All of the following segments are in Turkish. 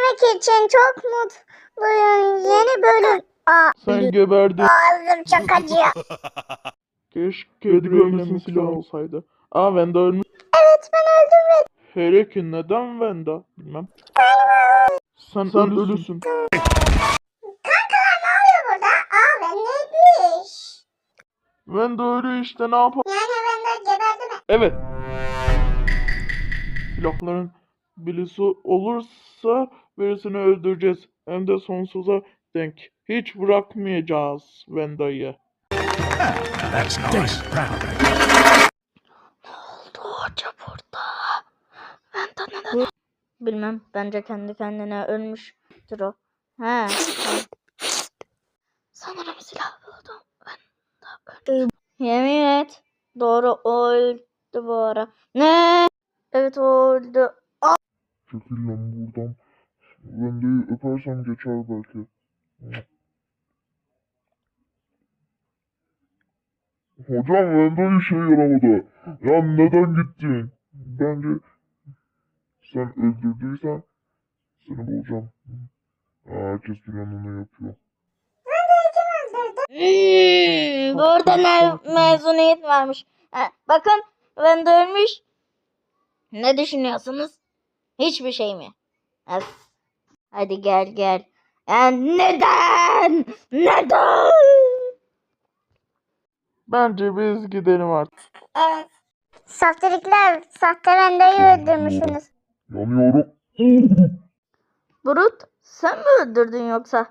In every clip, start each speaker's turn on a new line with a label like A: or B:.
A: izlemek için çok mutluyum. Yeni bölüm.
B: Sen geberdin.
A: Ağzım çok acıyor.
B: Keşke Edgar'ın silah olsaydı. Venda ölmüş.
A: Evet, ben öldüm.
B: Hele ki neden Venda? Bilmem. Sen ölüsün.
A: Kankalar ne oluyor burada? Ben neymiş?
B: Venda ölü işte, ne yapalım?
A: Yani ben de geberdi mi?
B: Evet. Silahların birisi olursa birisini öldüreceğiz. Hem de sonsuza denk. Hiç bırakmayacağız Venda'yı.
C: That's nice.
D: Ne oldu hoca burada? Venda neden? Bilmem. Bence kendi kendine ölmüştür o. He. Sanırım silah buldum. Venda öldü. Yemin et. Doğru, o öldü bu ara. Ne? Evet, o öldü.
B: Çekil lan buradan. Venda'yı öpersem geçer belki. Hocam Venda işe yaramadı. Ya neden gittin? Bence sen öldürdüysen seni bulacağım. Herkes planını yapıyor.
D: Burada mezuniyet varmış. Bakın, Venda ölmüş. Ne düşünüyorsunuz? Hiçbir şey mi? Hadi gel. Neden? Neden?
B: Bence biz gidelim artık.
A: Evet. Saftirikler, sahte Venda'yı öldürmüşsünüz.
B: Yanıyorum.
D: Brut, sen mi öldürdün yoksa?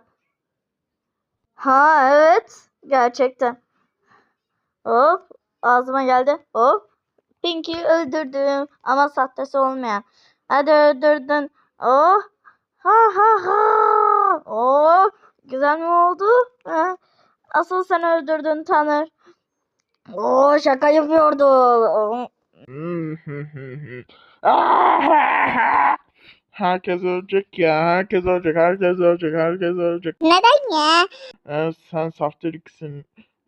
D: Ha, evet. Gerçekten. Hop, ağzıma geldi. Hop. Pinky'yi öldürdüm. Ama sahtesi olmayan. Hadi öldürdün. Oh. Ha. Oh. Güzel mi oldu? Asıl sen öldürdün Tanır. Oo, şaka yapıyordu.
B: Herkes ölecek ya. Herkes ölecek.
A: Neden ya?
B: Sen saftiriksin.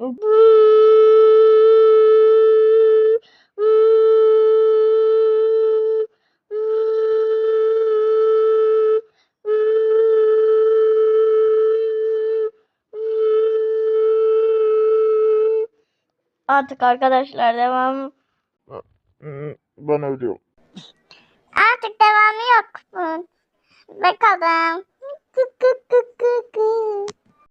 D: Artık arkadaşlar devam.
B: Ben ölüyorum.
A: Artık devamı yok bunun. Bakalım.